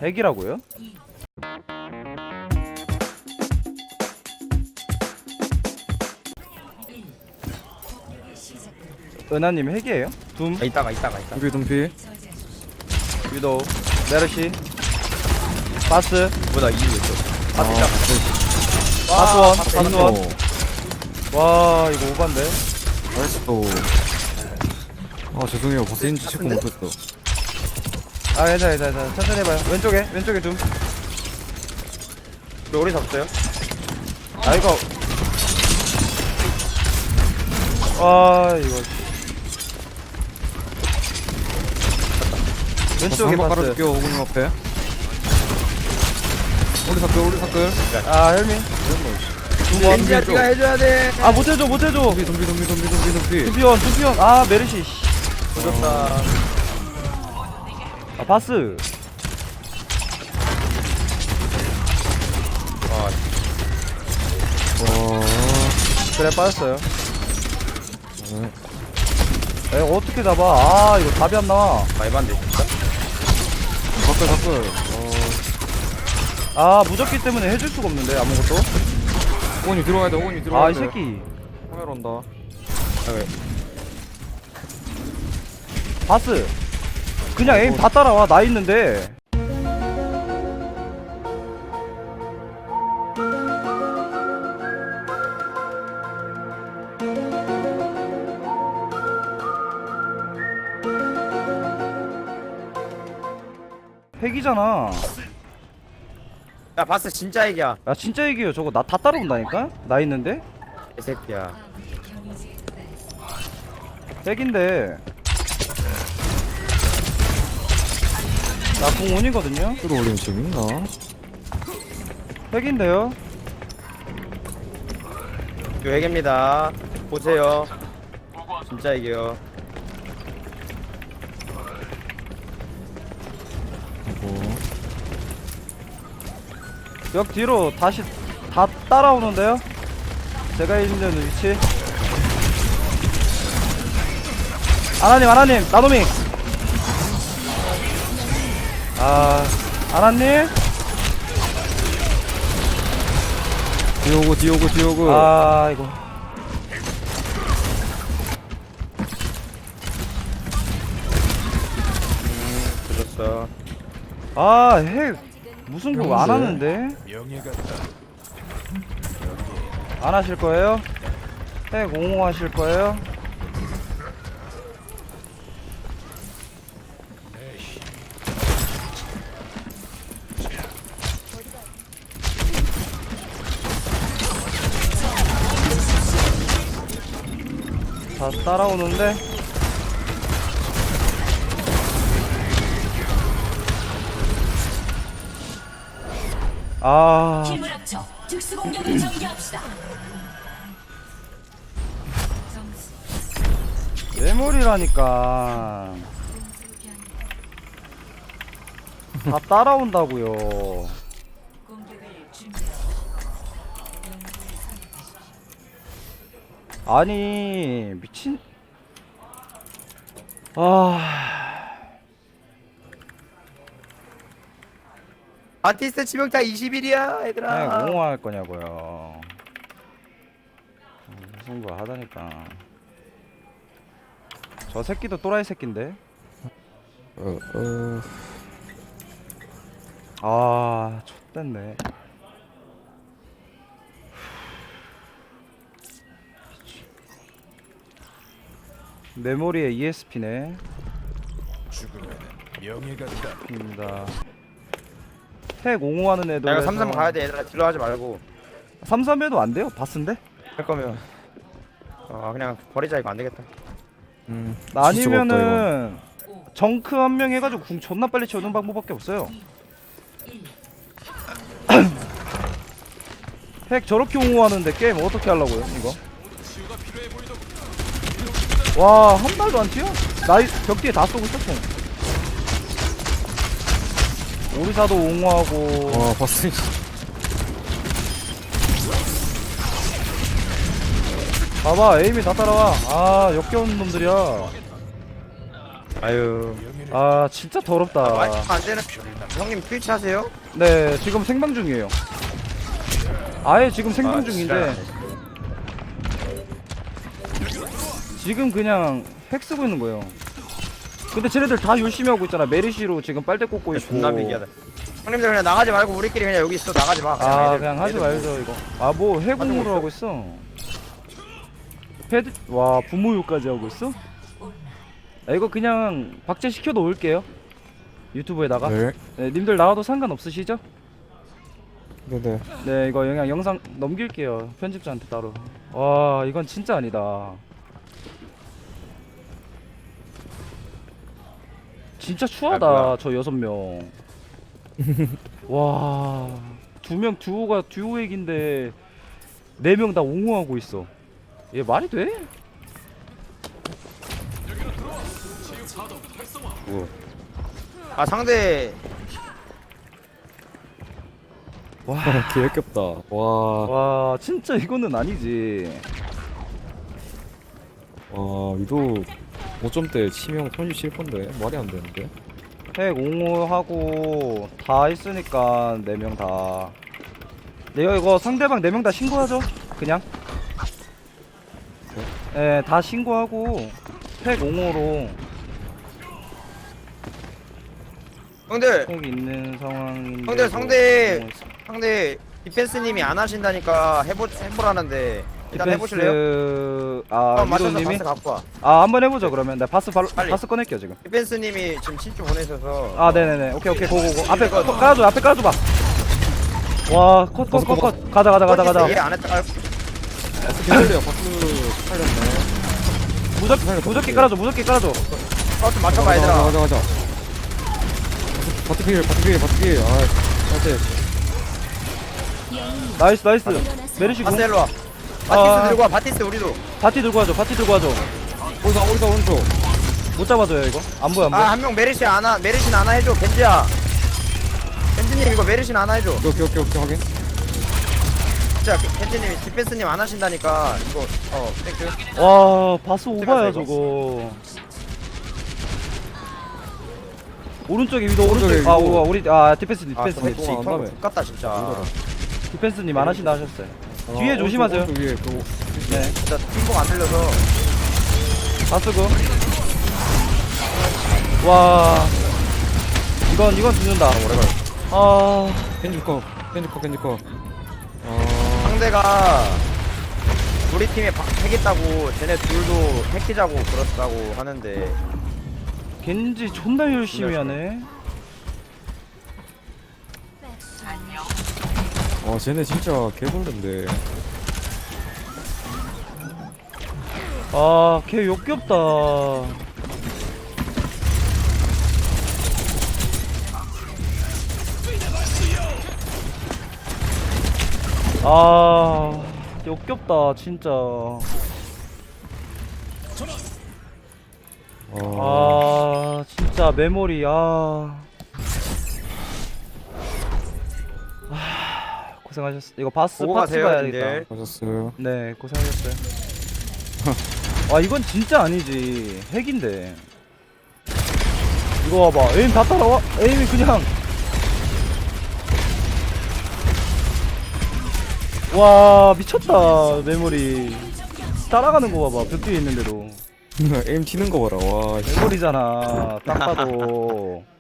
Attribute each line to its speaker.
Speaker 1: 핵이라고요? 은하님 핵이에요? 둠,
Speaker 2: 이따가
Speaker 3: 둠피 둠피.
Speaker 1: 위도우, 메르시, 바스,
Speaker 2: 뭐다 이유 있어
Speaker 1: 바스원. 와 이거 오반데?
Speaker 3: 나이스 또. 아 죄송해요. 버스인지 체크 못했어.
Speaker 1: 아 괜찮아 천천히 해봐요. 왼쪽에 둠.
Speaker 2: 우리 오래 잡았어요?
Speaker 1: 아 이거 아 이거 왼쪽에
Speaker 3: 한번
Speaker 1: 바스.
Speaker 3: 깔아줄게요. 오군님 앞에. 오리 사끌.
Speaker 1: 아 헬미.
Speaker 2: 겐지야 네가 해줘야 돼.
Speaker 1: 아 못해줘.
Speaker 3: 둠피.
Speaker 1: 두피원. 아 메르시.
Speaker 2: 조졌다.
Speaker 1: 아 바스. 그래 빠졌어요. 야, 이거 어떻게 잡아? 아 이거 답이 안 나와.
Speaker 2: 말반대 진짜?
Speaker 3: 사끌.
Speaker 1: 아 무적기 때문에 해줄 수가 없는데 아무것도.
Speaker 3: 오군님 들어가야 돼.
Speaker 1: 아 이 새끼.
Speaker 3: 카메라 온다.
Speaker 1: 바스. 그냥 에임 다 따라와. 나 있는데. 핵이잖아.
Speaker 2: 야 바스 진짜 얘기야.
Speaker 1: 야 진짜 얘기해요. 저거 나 다 따라온다니까? 나 있는데?
Speaker 2: 이 새끼야.
Speaker 1: 핵인데 나 공원이거든요?
Speaker 3: 끌어올리면 재밌나?
Speaker 1: 핵인데요?
Speaker 2: 요 얘기입니다. 보세요. 진짜 얘기요.
Speaker 1: 역 뒤로 다시 다 따라오는데요? 제가 있는 위치 아나님 나노미 아 아나님
Speaker 3: 디오고.
Speaker 1: 아 이거
Speaker 2: 조졌어.
Speaker 1: 아 핵 무슨 그거 안 하는데? 안 하실 거예요? 핵 옹호하실 거예요? 다 따라오는데 아
Speaker 4: 힘을 합쳐 특수 공격을 전개합시다.
Speaker 1: 메모리라니까 다 따라온다고요.
Speaker 4: 공격을 준비하십시오.
Speaker 1: 아니 미친 아
Speaker 2: 아티스트 치명타 20일이야 얘들아.
Speaker 1: 그냥 옹호할 거냐고요. 승부 하다니까. 저 새끼도 또라이 새끼인데. 아 X됐네. 메모리에 ESP네.
Speaker 5: 죽으면 명예가
Speaker 1: 입니다. 핵 옹호하는 애도.
Speaker 2: 야 이거 3-3 가야 돼 얘들아. 딜러 하지 말고.
Speaker 1: 3-3해도 안 돼요? 바스인데?
Speaker 2: 할 거면 그냥 버리자. 이거 안 되겠다.
Speaker 1: 아니면은 정크 한 명 해가지고 궁 존나 빨리 채우는 방법밖에 없어요. 핵 저렇게 옹호하는데 게임 어떻게 하려고요 이거? 와 한 발도 안 튀어? 나이 벽 뒤에 다 쏘고 있었어. 오리사도 옹호하고.
Speaker 3: 와 버스.
Speaker 1: 봐봐 에임이 다 따라와. 아 역겨운 놈들이야.
Speaker 2: 아유.
Speaker 1: 아 진짜 더럽다.
Speaker 2: 마이크 안 되는. 형님 트위치 하세요?
Speaker 1: 네 지금 생방 중이에요. 아예 지금 생방
Speaker 2: 아,
Speaker 1: 중인데 지금 그냥 핵 쓰고 있는 거예요. 근데 쟤네들 다 열심히 하고 있잖아. 메리시로 지금 빨대 꽂고 있고.
Speaker 2: 존나 미기하다. 형님들 그냥 나가지 말고 우리끼리 그냥 여기 있어. 나가지 마.
Speaker 1: 아
Speaker 2: 애들,
Speaker 1: 그냥 하지
Speaker 2: 애들
Speaker 1: 말죠 이거. 아 뭐 해공으로 하고 있어. 패드 와 부모유까지 하고 있어? 아, 이거 그냥 박제 시켜 놓을게요. 유튜브에다가.
Speaker 3: 네.
Speaker 1: 네, 님들 나와도 상관없으시죠?
Speaker 3: 네네.
Speaker 1: 네 이거 그냥 영상 넘길게요. 편집자한테 따로. 와 이건 진짜 아니다. 진짜 추하다.
Speaker 2: 뭐야.
Speaker 1: 저 6명. 와 2명 듀오가 듀오 핵인데 4명 다 옹호하고 있어. 얘 말이 돼?
Speaker 2: 아 상대
Speaker 1: 와,
Speaker 3: 개 역겹다. 와.
Speaker 1: 와 진짜 이거는 아니지.
Speaker 3: 와 위도 5점대 치명 37%인데 말이 안 되는데.
Speaker 1: 핵 옹호하고 다 있으니까 4명 다. 내가 이거 상대방 4명 다 신고하죠? 그냥. 예, 다 신고하고 핵 옹호로
Speaker 2: 형들
Speaker 1: 핵 있는 상황인데.
Speaker 2: 형들 상대 디펜스님이 안 하신다니까 해보라는데 일단 해보실래요?
Speaker 1: 아
Speaker 2: 한번 맞춰서
Speaker 1: 위도님이?
Speaker 2: 바스 갖고 와.
Speaker 1: 아 한번 해보죠 그러면. 나 바스 바로
Speaker 2: 빨리.
Speaker 1: 바스 꺼낼게요 지금.
Speaker 2: 디펜스님이 지금 친추 보내셔서
Speaker 1: 아 네네네 오케이 고고고. 앞에 깔아줘 앞에 깔아줘봐. 와 컷 가자.
Speaker 2: 얘안 했다.
Speaker 3: 개놀래요. 박수 팔렸네.
Speaker 1: 무적기 깔아줘
Speaker 2: 좀 맞춰봐 얘들아.
Speaker 3: 가자. 바트필. 아, 사실.
Speaker 1: 나이스 메르시
Speaker 2: 바스
Speaker 1: 공.
Speaker 2: 일로 와.
Speaker 1: 아.
Speaker 2: 바티스 들고 와. 바티스 우리도.
Speaker 1: 바티 들고 와줘
Speaker 3: 오른쪽.
Speaker 1: 못 잡아줘요 이거. 안 보여
Speaker 2: 아 한 명 메르시 안아 해줘. 겐지야. 겐지님 이거 메르시 안아 해줘.
Speaker 3: 오케이 확인.
Speaker 2: 진짜 겐지님이 디펜스님 안 하신다니까 이거 땡큐.
Speaker 1: 와 바스 오바야
Speaker 2: 이거.
Speaker 1: 저거. 오른쪽에 위도
Speaker 3: 오른쪽에
Speaker 1: 오른쪽. 아
Speaker 3: 위도.
Speaker 1: 우리 디펜스님
Speaker 2: 아 근데 진짜
Speaker 3: 안 가네.
Speaker 2: X같다 진짜.
Speaker 1: 디펜스님 안 하신다 하셨어요. 뒤에 조심하세요.
Speaker 3: 오른쪽 위에
Speaker 1: 네
Speaker 2: 진짜 팀복 안 들려서.
Speaker 1: 바스고. 와 이건 죽는다. 아
Speaker 3: 캔디 거.
Speaker 2: 상대가 우리 팀에 핵 있다고 쟤네 둘도 핵 끼자고 그렇다고 하는데
Speaker 1: 겐지 존나 열심히 하네.
Speaker 3: 쟤네 진짜 개벌레인데.
Speaker 1: 걔 역겹다. 역겹다 진짜. 진짜 메모리. 고생하셨어. 이거 바스
Speaker 2: 보고
Speaker 1: 파츠
Speaker 2: 가세요,
Speaker 1: 가야겠다.
Speaker 2: 님들.
Speaker 3: 하셨어요.
Speaker 1: 네 고생하셨어요. 이건 진짜 아니지. 핵인데 이거 봐봐. 에임 다 따라와. 에임이 그냥 와 미쳤다. 메모리 따라가는 거 봐봐. 벽 뒤에 있는데도
Speaker 3: 에임 튀는 거 봐라. 와.
Speaker 1: 메모리잖아 딱 봐도.